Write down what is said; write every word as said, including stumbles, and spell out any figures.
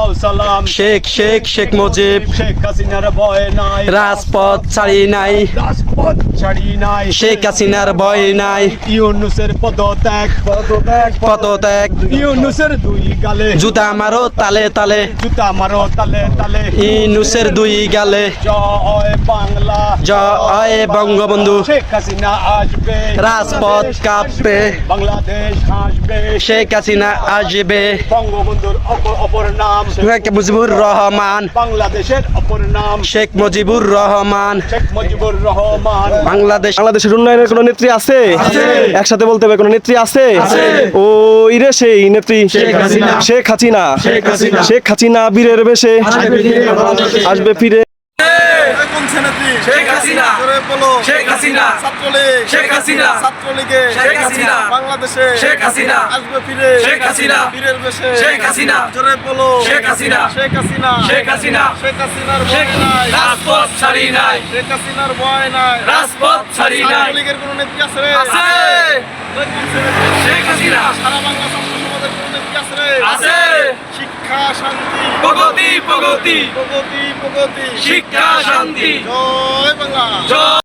সালাম শেখ শেখ শেখ মুজিব শেখ হাসিনার ভয় নাই রাজপথ ছাড়ি নাই রাজপথ ছাড়ি নাই শেখ হাসিনার ভয় নাই ইউনুসের পদত্যাগ পদত্যাগ পদত্যাগ ইউনুসের দুই গালে জুতা মারো তালে তালে জুতা মারো তালে তালে ইউনুসের দুই গালে জয় বাংলা জয় বঙ্গবন্ধু শেখ হাসিনা আসবে রাজপথ কাঁপবে বাংলাদেশ হাসবে শেখ হাসিনা আসবে বঙ্গবন্ধুর অপর অপর নাম শেখ মুজিবুর রহমান বাংলাদেশের অপর নাম শেখ মুজিবুর রহমান শেখ মুজিবুর রহমান বাংলাদেশ বাংলাদেশের উন্নয়নের কোনো নেত্রী আছে একসাথে বলতে হবে কোনো নেত্রী আছে ও ইরে সেই নেত্রী শেখ হাসিনা। শেখ হাসিনা শেখ হাসিনা। শেখ হাসিনা বীরের বেশে আসবে ফিরে শেখ হাসিনা শেখ হাসিনা ছাত্রলীগ শেখ হাসিনা ছাত্রলীগে শেখ হাসিনা বাংলাদেশে শেখ হাসিনা আসবে ফিরে শেখ হাসিনা বীরের বেশে শেখ হাসিনা জোরে বলো শেখ হাসিনা শেখ হাসিনা শেখ হাসিনা শেখ হাসিনার ভয় নাই রাজপথ ছাড়ি নাই শেখ হাসিনার ভয় নাই রাজপথ ছাড়ি নাই ছাত্রলীগের কোন নেত্রী আছে রে আছে শেখ হাসিনা সারা বাংলা ছাত্র সমাজের কোন নেত্রী আছে রে আছে শিক্ষা শান্তি প্রগতি প্রগতি প্রগতি প্রগতি শিক্ষা শান্তি জয় বাংলা জয়